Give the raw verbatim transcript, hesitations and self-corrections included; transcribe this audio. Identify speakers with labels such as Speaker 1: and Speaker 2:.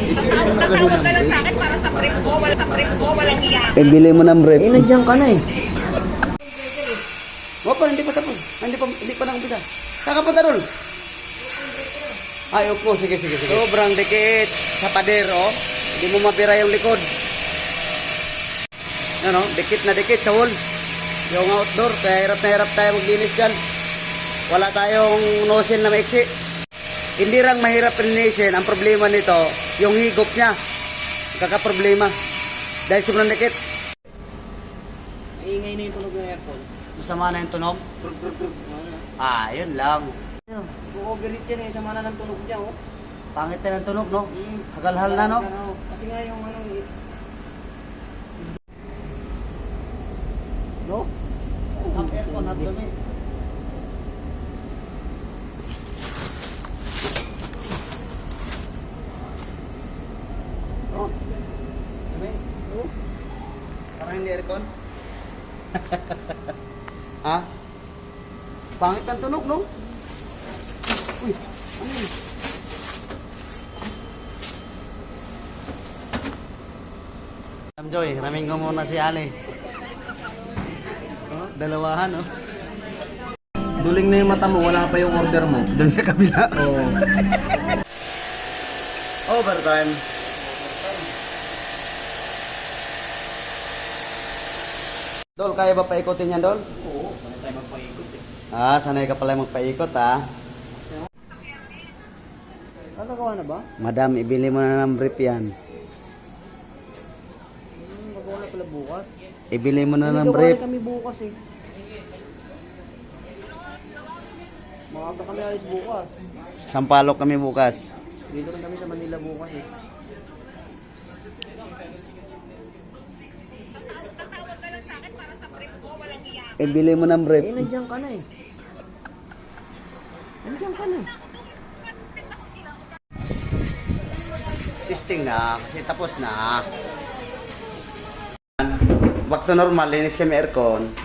Speaker 1: Tatawag ka lang sa akin para sa brief ko, wala sa brief ko, walang iyak.
Speaker 2: Eh, bili mo ng brief.
Speaker 3: Eh, nandiyan ka na eh.
Speaker 2: Wala pa, hindi pa tapos. Hindi pa, hindi pa nakumpisa. Kakapunta doon. Ay, opo, sige, sige, sige. Sobrang dikit sa pader, oh. Hindi mo mapira yung likod. Ano, dikit na dikit sa wall. Yung outdoor, kaya hirap na hirap tayo maglinis dyan. Wala tayong nozzle na maiksi. Hindi lang mahirap linisin. Ang problema nito, yung higop niya. Kakaproblema. Dahil sobrang dikit.
Speaker 3: Iingay na yung tunog ng aircon.
Speaker 2: Masama na yung tunog? Ah, yun lang.
Speaker 3: Bu-overheat yan eh, sama na ng tunog niya oh.
Speaker 2: Pangit na ng tunog, no?
Speaker 3: Mm.
Speaker 2: Hagal-hal na, no?
Speaker 3: Kasi nga yung ano eh. No?
Speaker 2: Ang aircon, hot dumi.
Speaker 3: Oh.
Speaker 2: Dumi?
Speaker 3: Oh.
Speaker 2: Parang hindi aircon? Ha? Pangit ang tunog, no? Uy, ano yun? Ma'am Joy, ramin ko muna si Ali. Oh, dalawahan, oh.
Speaker 3: Duling na yung mata mo, wala pa yung order mo.
Speaker 2: Doon sa kabila.
Speaker 3: Oo.
Speaker 2: Overtime. Dol, kaya ba paikutin yan, Dol?
Speaker 3: Oo, wala tayo magpaikot eh.
Speaker 2: Ah, sanay ka pala magpaikot, ha?
Speaker 3: Nakagawa na ba?
Speaker 2: Madam, ibili mo na ng brief yan.
Speaker 3: Hmm, magawa na pala bukas.
Speaker 2: Ibili mo na ng
Speaker 3: Gawa
Speaker 2: brief.
Speaker 3: kami bukas eh. Maaga kami alis bukas.
Speaker 2: Sampalok kami bukas.
Speaker 3: Dito rin kami sa Manila bukas eh.
Speaker 1: Tatawag ka lang sa akin para sa brief ko, walang iyak.
Speaker 2: Ibili mo ng brief.
Speaker 3: Eh, nandiyan ka na eh. Nandiyan ka na.
Speaker 2: Testing na, kasi tapos na. Back to normal, linis kami aircon.